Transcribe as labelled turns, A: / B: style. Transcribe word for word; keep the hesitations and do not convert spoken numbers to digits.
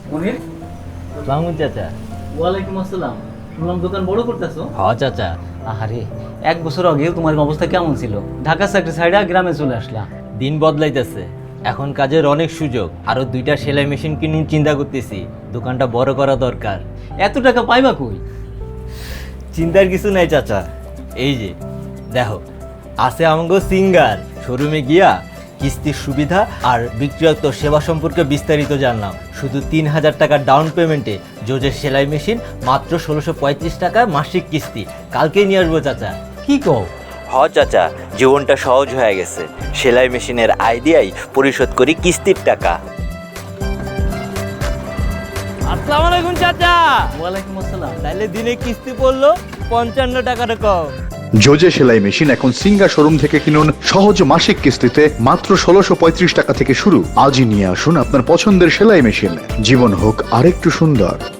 A: মনির,
B: আসসালামু চাচা।
A: ওয়ালাইকুম আসসালাম। শুনলাম দোকান বড় করতেছো?
B: হ চাচা।
A: আরে, এক বছর আগে তোমার অবস্থা কেমন ছিল? ঢাকা চাকরি ছাইড়া গ্রামে চলে আসলা।
B: দিন বদলাইতেছে, এখন কাজের অনেক সুযোগ। আরো দুইটা সেলাই মেশিন কিনুন চিন্তা করতেছি, দোকানটা বড় করা দরকার।
A: এত টাকা পাইবা কই?
B: চিন্তার কিছু নাই চাচা, এই যে দেখো আছে আমগো সিঙ্গার। শোরুমে গিয়া কিস্তির সুবিধা আর বিক্রিয়ত সেবা সম্পর্কে বিস্তারিত জানলাম। শুধু তিন হাজার টাকা ডাউন পেমেন্টে জোজের সেলাই মেশিন, মাত্র ষোলোশো পঁয়ত্রিশ টাকা মাসিক কিস্তি। কালকেই নিয়ে আসবো চাচা।
A: কি কও?
B: হ চাচা, জীবনটা সহজ হয়ে গেছে। সেলাই মেশিনের আইডিয়াই পরিশোধ করি কিস্তির টাকা। আসসালামু আলাইকুম চাচা।
A: ওয়ালাইকুম আসসালাম।
B: তাইলে দিনে কিস্তি পড়লো পঞ্চান্ন টাকার কম।
C: জোজে সেলাই মেশিন এখন সিঙ্গা শোরুম থেকে কিনুন সহজ মাসিক কিস্তিতে মাত্র ষোলোশো পঁয়ত্রিশ টাকা থেকে শুরু। আজই নিয়ে আসুন আপনার পছন্দের সেলাই মেশিন, জীবন হোক আরেকটু সুন্দর।